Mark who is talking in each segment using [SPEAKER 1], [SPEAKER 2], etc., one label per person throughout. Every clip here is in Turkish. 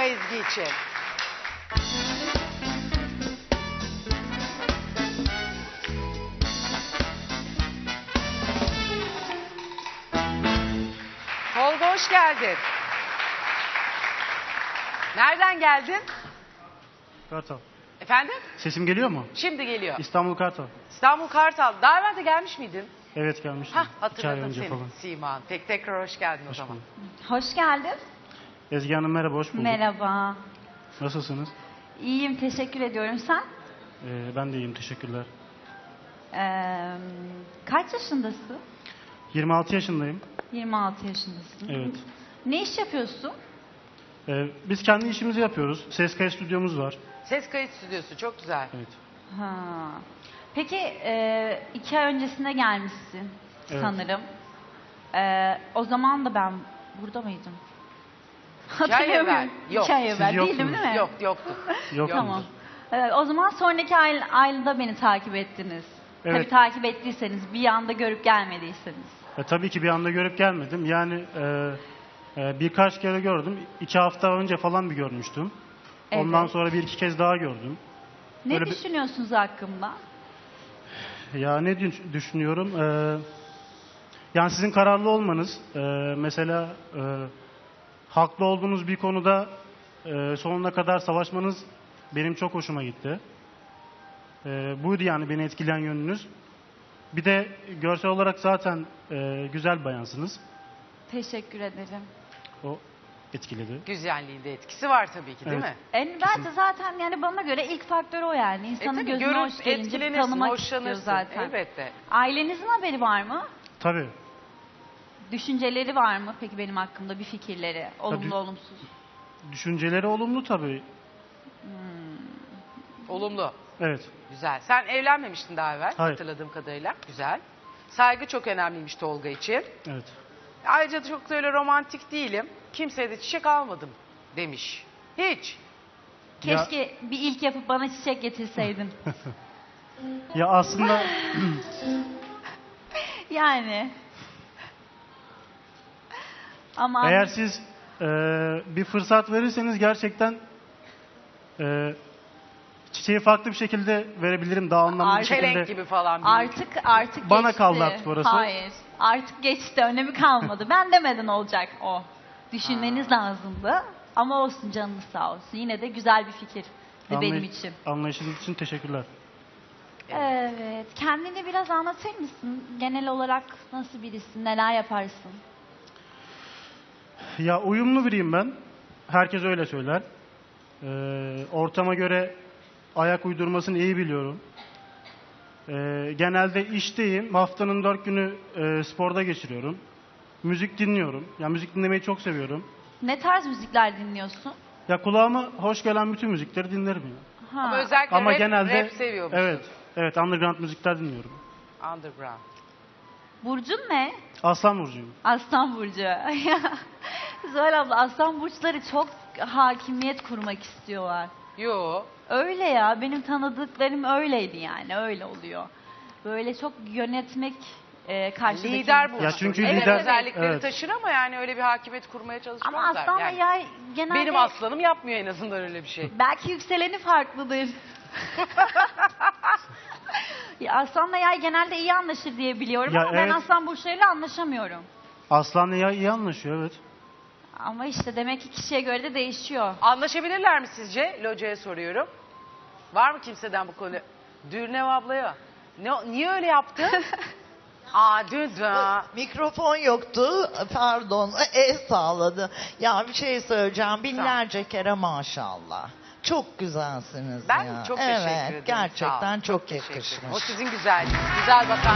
[SPEAKER 1] Ezgi için. Tolga hoş geldin. Nereden geldin?
[SPEAKER 2] Kartal.
[SPEAKER 1] Efendim?
[SPEAKER 2] Sesim geliyor mu?
[SPEAKER 1] Şimdi geliyor.
[SPEAKER 2] İstanbul Kartal.
[SPEAKER 1] İstanbul Kartal. Daha evvel de gelmiş miydin?
[SPEAKER 2] Evet gelmiştim.
[SPEAKER 1] Hah
[SPEAKER 2] 2 ay
[SPEAKER 1] hatırladım
[SPEAKER 2] önce
[SPEAKER 1] seni
[SPEAKER 2] falan.
[SPEAKER 1] Siman. Tekrar hoş geldin o
[SPEAKER 2] Hoş
[SPEAKER 1] zaman.
[SPEAKER 2] bulduk.
[SPEAKER 3] Hoş geldin.
[SPEAKER 2] Ezgi Hanım merhaba, hoş bulduk.
[SPEAKER 3] Merhaba.
[SPEAKER 2] Nasılsınız?
[SPEAKER 3] İyiyim, teşekkür ediyorum. Sen?
[SPEAKER 2] Ben de iyiyim, teşekkürler.
[SPEAKER 3] Kaç yaşındasın?
[SPEAKER 2] 26 yaşındayım.
[SPEAKER 3] 26 yaşındasın.
[SPEAKER 2] Evet.
[SPEAKER 3] Ne iş yapıyorsun?
[SPEAKER 2] Biz kendi işimizi yapıyoruz. Ses kayıt stüdyomuz var.
[SPEAKER 1] Ses kayıt stüdyosu çok güzel.
[SPEAKER 2] Evet.
[SPEAKER 3] Ha. Peki 2 ay öncesinde gelmişsin
[SPEAKER 2] Evet.
[SPEAKER 3] sanırım. O zaman da ben burada mıydım?
[SPEAKER 1] 2 ay evvel. Yok.
[SPEAKER 3] 2 ay
[SPEAKER 2] Siz
[SPEAKER 3] evvel değildim
[SPEAKER 2] yoktunuz.
[SPEAKER 3] değil mi?
[SPEAKER 1] Yok yoktu.
[SPEAKER 2] Yok.
[SPEAKER 3] Tamam. O zaman sonraki ayda beni takip ettiniz.
[SPEAKER 2] Evet.
[SPEAKER 3] Tabii takip ettiyseniz, bir anda görüp gelmediyseniz.
[SPEAKER 2] Tabii ki bir anda görüp gelmedim. Yani birkaç kere gördüm. 2 hafta önce falan bir görmüştüm. Ondan
[SPEAKER 3] Evet.
[SPEAKER 2] sonra 1-2 kez daha gördüm.
[SPEAKER 3] Ne
[SPEAKER 2] Öyle bir-
[SPEAKER 3] düşünüyorsunuz hakkımda?
[SPEAKER 2] Ya ne düşünüyorum? Yani sizin kararlı olmanız, mesela haklı olduğunuz bir konuda sonuna kadar savaşmanız benim çok hoşuma gitti. Buydu yani beni etkileyen yönünüz. Bir de görsel olarak zaten güzel bayansınız.
[SPEAKER 3] Teşekkür ederim.
[SPEAKER 2] O etkiledi.
[SPEAKER 1] Güzelliğinde etkisi var tabii ki değil
[SPEAKER 2] Evet.
[SPEAKER 1] mi?
[SPEAKER 3] Bence zaten yani bana göre ilk faktör o yani. İnsanın
[SPEAKER 1] Tabii
[SPEAKER 3] gözüne
[SPEAKER 1] görüp
[SPEAKER 3] hoş gelince
[SPEAKER 1] etkilenirsin,
[SPEAKER 3] tanımak istiyor
[SPEAKER 1] hoşlanırsın.
[SPEAKER 3] zaten.
[SPEAKER 1] Elbette.
[SPEAKER 3] Ailenizin haberi var mı?
[SPEAKER 2] Tabii.
[SPEAKER 3] Düşünceleri var mı peki benim hakkımda, bir fikirleri? Olumlu
[SPEAKER 2] Tabii.
[SPEAKER 3] olumsuz.
[SPEAKER 2] Düşünceleri olumlu tabii.
[SPEAKER 1] Olumlu.
[SPEAKER 2] Evet.
[SPEAKER 1] Güzel. Sen evlenmemiştin daha evvel
[SPEAKER 2] Hayır.
[SPEAKER 1] hatırladığım kadarıyla. Güzel. Saygı çok önemliymiş Tolga için.
[SPEAKER 2] Evet.
[SPEAKER 1] Ayrıca çok da öyle romantik değilim. Kimseye de çiçek almadım demiş. Hiç.
[SPEAKER 3] Keşke bir ilk yapıp bana çiçek getirseydin.
[SPEAKER 2] Ya aslında
[SPEAKER 3] Yani. Ama
[SPEAKER 2] eğer siz bir fırsat verirseniz gerçekten çiçeği farklı bir şekilde verebilirim. Daha anlamlı bir şekilde.
[SPEAKER 1] Çelenk gibi falan. bir-
[SPEAKER 3] artık
[SPEAKER 2] Bana
[SPEAKER 3] geçti.
[SPEAKER 2] kaldı artık orası.
[SPEAKER 3] Hayır. Artık geçti. Önemi kalmadı. Ben demeden olacak o. Düşünmeniz lazımdı. Ama olsun, canınız sağ olsun. Yine de güzel bir fikir benim için.
[SPEAKER 2] Anlayışınız için teşekkürler.
[SPEAKER 3] Evet. Kendini biraz anlatır mısın? Genel olarak nasıl birisin? Neler yaparsın?
[SPEAKER 2] Ya uyumlu biriyim ben. Herkes öyle söyler. Ortama göre ayak uydurmasını iyi biliyorum. Genelde işteyim. Haftanın 4 günü sporda geçiriyorum. Müzik dinliyorum. Ya müzik dinlemeyi çok seviyorum.
[SPEAKER 3] Ne tarz müzikler dinliyorsun?
[SPEAKER 2] Ya kulağıma hoş gelen bütün müzikleri dinlerim ya.
[SPEAKER 3] Ha.
[SPEAKER 1] Ama özellikle
[SPEAKER 2] Ama
[SPEAKER 1] rap,
[SPEAKER 2] genelde
[SPEAKER 1] rap seviyor musun?
[SPEAKER 2] evet. Evet, underground müzikler dinliyorum.
[SPEAKER 1] Underground.
[SPEAKER 3] Burcun ne?
[SPEAKER 2] Aslan burcuyum.
[SPEAKER 3] Aslan burcu. Zuhal abla, aslan burçları çok hakimiyet kurmak istiyorlar.
[SPEAKER 1] Yo.
[SPEAKER 3] Öyle ya, benim tanıdıklarım öyleydi yani, öyle oluyor. Böyle çok yönetmek karşıdaki...
[SPEAKER 1] Lider bu.
[SPEAKER 2] Ya çünkü
[SPEAKER 1] evet,
[SPEAKER 2] lider-
[SPEAKER 1] özellikleri
[SPEAKER 2] evet.
[SPEAKER 1] taşır ama yani öyle bir hakimiyet kurmaya çalışmazlar.
[SPEAKER 3] Ama aslanla
[SPEAKER 1] yani,
[SPEAKER 3] yay genelde...
[SPEAKER 1] benim aslanım yapmıyor en azından öyle bir şey.
[SPEAKER 3] Belki yükseleni farklıdır. Ya aslanla yay genelde iyi anlaşır diye biliyorum
[SPEAKER 2] Ya
[SPEAKER 3] ama ben
[SPEAKER 2] evet.
[SPEAKER 3] aslan burçlarıyla anlaşamıyorum.
[SPEAKER 2] Aslanla yay iyi anlaşıyor, evet.
[SPEAKER 3] Ama işte demek ki kişiye göre de değişiyor.
[SPEAKER 1] Anlaşabilirler mi sizce? Loca'ya soruyorum. Var mı kimseden bu konu? Dürnev ablaya. Niye öyle yaptın? Dün.
[SPEAKER 4] Mikrofon yoktu. Pardon. El sağladı. Ya bir şey söyleyeceğim. Binlerce kere maşallah. Çok güzelsiniz
[SPEAKER 1] Ben
[SPEAKER 4] ya.
[SPEAKER 1] çok teşekkür ederim.
[SPEAKER 4] Evet,
[SPEAKER 1] Sağ
[SPEAKER 4] gerçekten
[SPEAKER 1] olun.
[SPEAKER 4] çok
[SPEAKER 1] Teşekkür ederim.
[SPEAKER 4] yakışmış.
[SPEAKER 1] O sizin güzelliğiniz. Güzel bakan.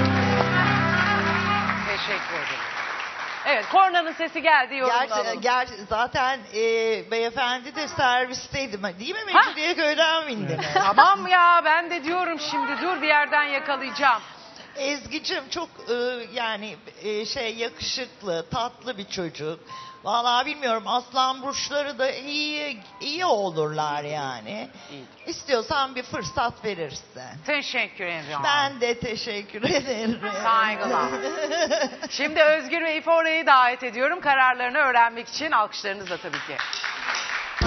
[SPEAKER 1] Teşekkür ederim. Evet, kornanın sesi geldi. Yorumunu alalım.
[SPEAKER 4] Zaten beyefendi de servisteydi. Değil mi? Mecidiyeköy'den bindiniz.
[SPEAKER 1] Tamam ya, ben de diyorum şimdi. Dur, bir yerden yakalayacağım.
[SPEAKER 4] Ezgi'cim çok yani yakışıklı, tatlı bir çocuk. Vallahi bilmiyorum, aslan burçları da iyi olurlar yani.
[SPEAKER 1] İyi.
[SPEAKER 4] İstiyorsan bir fırsat verirsin.
[SPEAKER 1] Teşekkür ederim.
[SPEAKER 4] Ben de teşekkür ederim.
[SPEAKER 1] Saygılar. Şimdi Özgür ve İfore'yi davet ediyorum kararlarını öğrenmek için. Alkışlarınızla tabii ki.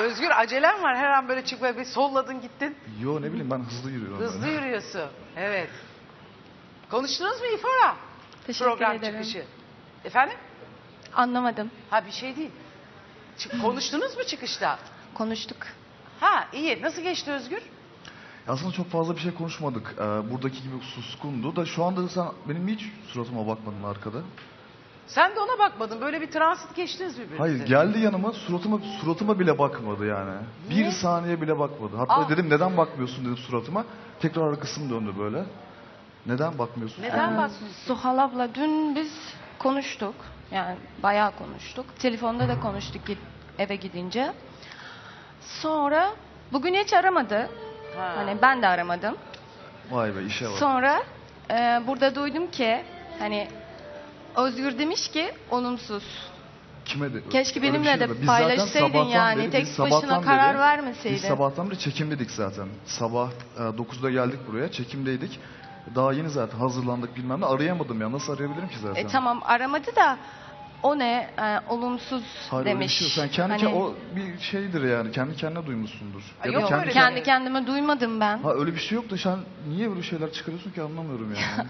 [SPEAKER 1] Özgür acelem var. Her an böyle çıkmaya bir solladın gittin.
[SPEAKER 5] Yo ne bileyim ben hızlı yürüyorum.
[SPEAKER 1] Hızlı
[SPEAKER 5] böyle.
[SPEAKER 1] yürüyorsun. Evet. Konuştunuz mu İfora?
[SPEAKER 6] Teşekkür
[SPEAKER 1] Program
[SPEAKER 6] ederim.
[SPEAKER 1] çıkışı. Efendim?
[SPEAKER 6] Anlamadım.
[SPEAKER 1] Ha bir şey değil. Konuştunuz mu çıkışta?
[SPEAKER 6] Konuştuk.
[SPEAKER 1] Ha iyi. Nasıl geçti Özgür?
[SPEAKER 5] Aslında çok fazla bir şey konuşmadık. Buradaki gibi suskundu da şu anda sen benim hiç suratıma bakmadın arkada.
[SPEAKER 1] Sen de ona bakmadın. Böyle bir transit geçtiniz birbirinize.
[SPEAKER 5] Hayır geldi yanıma suratıma bile bakmadı yani.
[SPEAKER 1] Niye?
[SPEAKER 5] Bir saniye bile bakmadı. Hatta
[SPEAKER 1] Aa.
[SPEAKER 5] dedim neden bakmıyorsun dedim suratıma. Tekrar arkasını döndü böyle. Neden bakmıyorsun?
[SPEAKER 1] Neden bakmıyorsun?
[SPEAKER 6] Suhal abla dün biz konuştuk. Yani bayağı konuştuk. Telefonda da konuştuk eve gidince. Sonra bugün hiç aramadı.
[SPEAKER 1] Ha.
[SPEAKER 6] Hani ben de aramadım.
[SPEAKER 5] Vay be işe bak.
[SPEAKER 6] Sonra burada duydum ki hani Özgür demiş ki olumsuz.
[SPEAKER 5] Kime de?
[SPEAKER 6] Keşke
[SPEAKER 5] Öyle bir
[SPEAKER 6] benimle
[SPEAKER 5] şey
[SPEAKER 6] de
[SPEAKER 5] yok. Biz zaten
[SPEAKER 6] paylaşsaydın
[SPEAKER 5] sabahtan
[SPEAKER 6] yani.
[SPEAKER 5] beri-
[SPEAKER 6] Tek
[SPEAKER 5] biz
[SPEAKER 6] başına
[SPEAKER 5] sabahtan
[SPEAKER 6] karar
[SPEAKER 5] beri-
[SPEAKER 6] vermeseydin.
[SPEAKER 5] Biz sabahtan beri çekimdedik zaten. Sabah 9'da geldik buraya çekimdeydik. Daha yeni zaten hazırlandık bilmem ne arayamadım ya. Nasıl arayabilirim ki zaten?
[SPEAKER 6] Tamam aramadı da o ne olumsuz
[SPEAKER 5] Hayır, öyle bir
[SPEAKER 6] demiş.
[SPEAKER 5] şey yok. Sen kendi
[SPEAKER 6] Hani-
[SPEAKER 5] o bir şeydir yani. Kendi kendine duymuşsundur.
[SPEAKER 1] Ha,
[SPEAKER 5] Ya da
[SPEAKER 1] yok öyle
[SPEAKER 6] Kendi
[SPEAKER 1] demek.
[SPEAKER 6] kendime duymadım ben.
[SPEAKER 5] Ha öyle bir şey yok da sen niye böyle şeyler çıkarıyorsun ki anlamıyorum yani.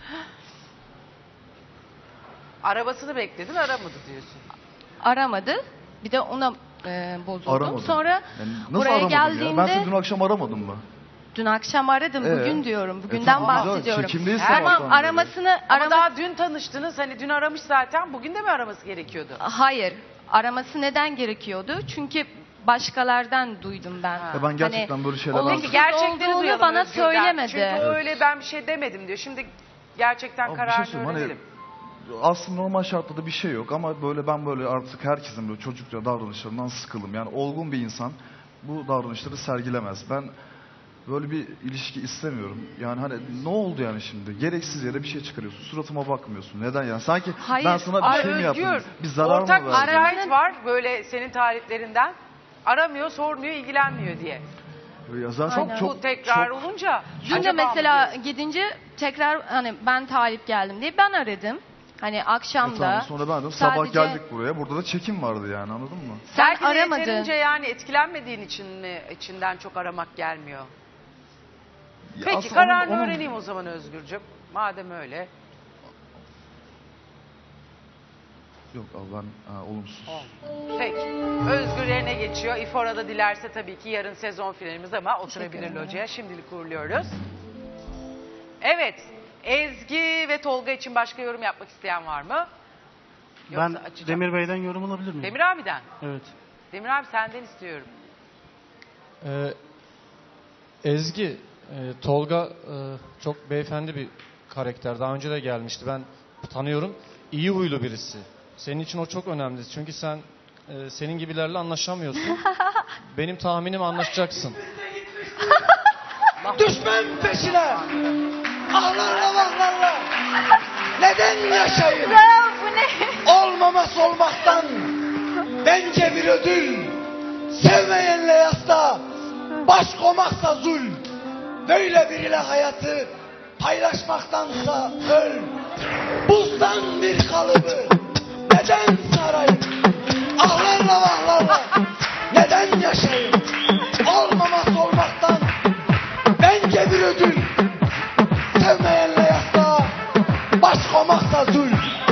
[SPEAKER 1] Arabasını bekledin aramadı diyorsun.
[SPEAKER 6] Aramadı. Bir de ona bozuldum.
[SPEAKER 5] Aramadım.
[SPEAKER 6] Sonra
[SPEAKER 5] Yani nasıl
[SPEAKER 6] buraya
[SPEAKER 5] aramadım
[SPEAKER 6] geldiğimde
[SPEAKER 5] ya? Ben seni dün akşam aramadım mı?
[SPEAKER 6] dün akşam aradım. Bugün diyorum. Bugünden
[SPEAKER 5] tamam, güzel.
[SPEAKER 6] bahsediyorum.
[SPEAKER 5] Çekimdeyiz
[SPEAKER 6] Tamam
[SPEAKER 5] sabahtan beri.
[SPEAKER 6] aramasını
[SPEAKER 1] Ama daha dün tanıştınız. Hani dün aramış zaten. Bugün de mi araması gerekiyordu?
[SPEAKER 6] Hayır. Araması neden gerekiyordu? Çünkü başkalardan duydum ben.
[SPEAKER 1] Ha.
[SPEAKER 5] Ya ben gerçekten böyle şeyler
[SPEAKER 6] olumsuz
[SPEAKER 1] Peki gerçekleri
[SPEAKER 6] olduğunu
[SPEAKER 1] duyalım
[SPEAKER 6] bana
[SPEAKER 1] Özgür'den.
[SPEAKER 6] söylemedi.
[SPEAKER 1] Çünkü o öyle ben bir şey demedim diyor. Şimdi gerçekten
[SPEAKER 5] Ama bir şey
[SPEAKER 1] kararını
[SPEAKER 5] söyleyeyim, hani
[SPEAKER 1] öğrenelim.
[SPEAKER 5] aslında normal şartlarda bir şey yok ama ben böyle artık herkesin böyle çocukça davranışlarından sıkıldım. Yani olgun bir insan bu davranışları sergilemez. Ben böyle bir ilişki istemiyorum. Yani hani ne oldu yani şimdi? Gereksiz yere bir şey çıkarıyorsun. Suratıma bakmıyorsun. Neden yani? Sanki
[SPEAKER 6] Hayır,
[SPEAKER 5] ben sana bir
[SPEAKER 1] Ay
[SPEAKER 5] şey mi
[SPEAKER 1] Özgür,
[SPEAKER 5] yaptım? Bir zarar
[SPEAKER 1] ortak
[SPEAKER 5] mı
[SPEAKER 1] bir
[SPEAKER 5] verdim?
[SPEAKER 1] şikayet var böyle senin tarihlerinden. Aramıyor, sormuyor, ilgilenmiyor diye.
[SPEAKER 5] Ya zaten
[SPEAKER 6] Aynen.
[SPEAKER 1] Bu tekrar olunca
[SPEAKER 6] Dün de
[SPEAKER 1] acaba mı
[SPEAKER 6] mesela
[SPEAKER 1] diyorsun?
[SPEAKER 6] gidince tekrar hani ben talip geldim diye ben aradım. Hani akşam da.
[SPEAKER 5] Tamam, sonra ben de sabah
[SPEAKER 6] sadece-
[SPEAKER 5] geldik buraya. Burada da çekim vardı yani anladın mı?
[SPEAKER 6] Sen
[SPEAKER 1] Belki de
[SPEAKER 6] aramadın.
[SPEAKER 1] yeterince yani etkilenmediğin için mi içinden çok aramak gelmiyor?
[SPEAKER 5] Ya
[SPEAKER 1] Peki
[SPEAKER 5] aslında
[SPEAKER 1] kararını
[SPEAKER 5] onun-
[SPEAKER 1] öğreneyim o zaman Özgürcüm. Madem öyle.
[SPEAKER 5] Yok abi ben olumsuz.
[SPEAKER 1] Peki. Özgür yerine geçiyor. İfora da dilerse tabii ki yarın sezon finalimiz ama oturabilir locaya. Şimdilik uğurluyoruz. Evet. Ezgi ve Tolga için başka yorum yapmak isteyen var mı? Yoksa
[SPEAKER 2] Ben
[SPEAKER 1] açacağım.
[SPEAKER 2] Demir Bey'den yorum alabilir miyim?
[SPEAKER 1] Demir abiden.
[SPEAKER 2] Evet.
[SPEAKER 1] Demir abi senden istiyorum.
[SPEAKER 7] Ezgi, Tolga çok beyefendi bir karakter. Daha önce de gelmişti. Ben tanıyorum. İyi huylu birisi. Senin için o çok önemli. Çünkü sen senin gibilerle anlaşamıyorsun. Benim tahminim anlaşacaksın.
[SPEAKER 8] Düşman peşine. Ahlarla vahlarla. Neden yaşayın?
[SPEAKER 3] Bu ne?
[SPEAKER 8] Olmaması olmaktan. Bence bir ödül. Sevmeyenle yasta. Baş komaksa zul. Böyle biriyle hayatı paylaşmaktansa öl. Buzdan bir kalıbı. Neden sarayım? Ahlarla vahlarla. Neden yaşayın? Olmaması olmaktan. Bence bir ödül. Sevmeyenle yasta. Baş komaksa zul.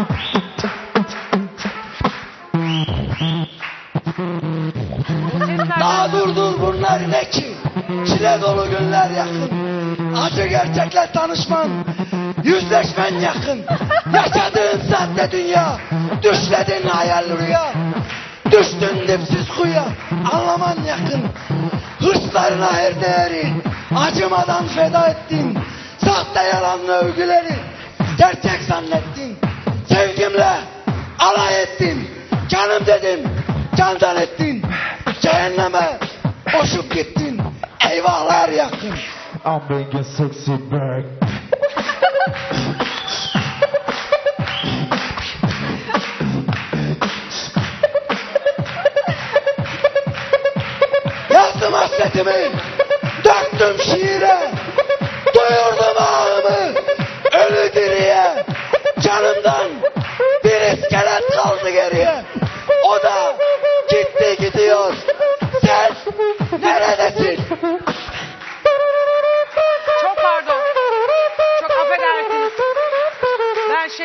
[SPEAKER 8] Daha dur bunlar ne ki? Çile dolu günler yakın. Acı gerçekle tanışman, yüzleşmen yakın. Yaşadığın sahte dünya, düşledin hayal rüya. Düştün dipsiz kuyuya, anlaman yakın. Hırslarına her değeri, acımadan feda ettin. Sahte yalanlı övgüleri, gerçek zannettin. Sevgimle alay ettin, canım dedim, candan ettin. Cehenneme boşup gittin, eyvahlar yakın.
[SPEAKER 9] I'm being a sexy bird.
[SPEAKER 8] Yazdım hasretimi, döktüm şiire. Duyurdum ağımı, ölü diriye. Canımdan bir iskelet kaldı geriye. O da gitti gidiyor. Sen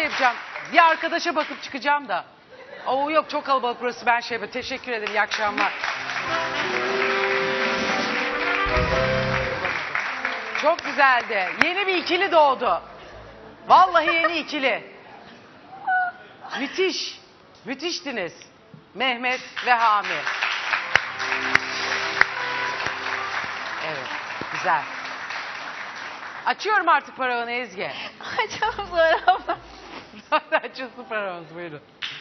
[SPEAKER 1] yapacağım. Bir arkadaşa bakıp çıkacağım da. Oo yok çok kalabalık burası, ben şey yapayım. Teşekkür ederim, iyi akşamlar. Çok güzeldi. Yeni bir ikili doğdu. Vallahi yeni ikili. Müthiş. Müthiştiniz. Mehmet ve Hami. Evet, güzel. Açıyorum artık paravanı Ezgi.
[SPEAKER 3] Açalım sonra abla.
[SPEAKER 1] Açılsın paravanız, buyurun.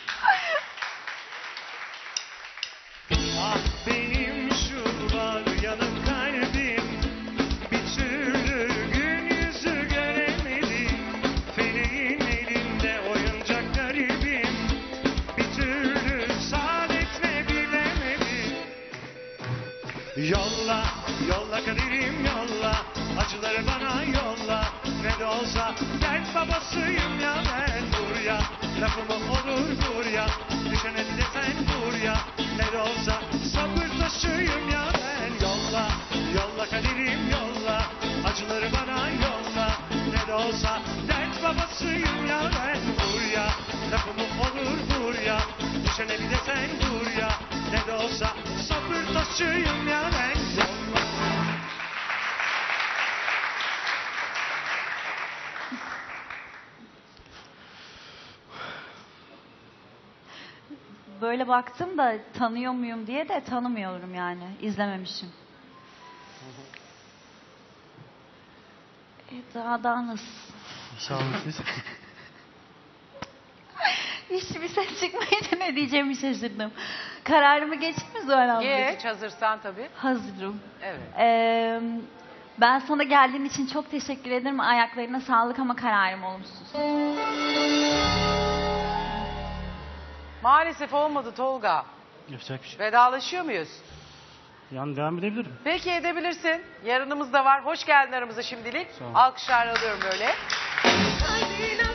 [SPEAKER 10] Ah benim şu var yanık kalbim, bir türlü gün yüzü göremedim. Feleğin elinde oyuncak garibim, bir türlü saadetle bilemedim. Yolla, yolla kaderim yolla, acıları bana yolla. Ne de olsa dert babasıyım ya ben buraya. Lafımı olur buraya, düşene de sen buraya. Ne de olsa sabır taşıyım ya ben. Yolla, yolla kaderim yolla, acıları bana yolla. Ne de olsa dert babasıyım ya ben buraya. Lafımı olur buraya, düşene bir de sen buraya. Ne de olsa sabır taşıyım ya ben. Yolla.
[SPEAKER 3] Böyle baktım da tanıyor muyum diye de tanımıyorum yani. İzlememişim. Daha nasıl?
[SPEAKER 2] Sağ olun siz.
[SPEAKER 3] Hiçbir ses çıkmayınca ne diyeceğimi şaşırdım. Kararımı geçti mi Zuhal abla?
[SPEAKER 1] Geç, hazırsan tabii.
[SPEAKER 3] Hazırım.
[SPEAKER 1] Evet.
[SPEAKER 3] Ben sana geldiğin için çok teşekkür ederim. Ayaklarına sağlık ama kararım olumsuz.
[SPEAKER 1] Maalesef olmadı Tolga.
[SPEAKER 2] Yapacak bir şey.
[SPEAKER 1] Vedalaşıyor muyuz?
[SPEAKER 2] Yani devam edebilirim.
[SPEAKER 1] Peki, edebilirsin. Yarınımız da var. Hoş geldin aramıza şimdilik.
[SPEAKER 2] Sağ ol.
[SPEAKER 1] Alkışlar alıyorum böyle.
[SPEAKER 10] Kalbine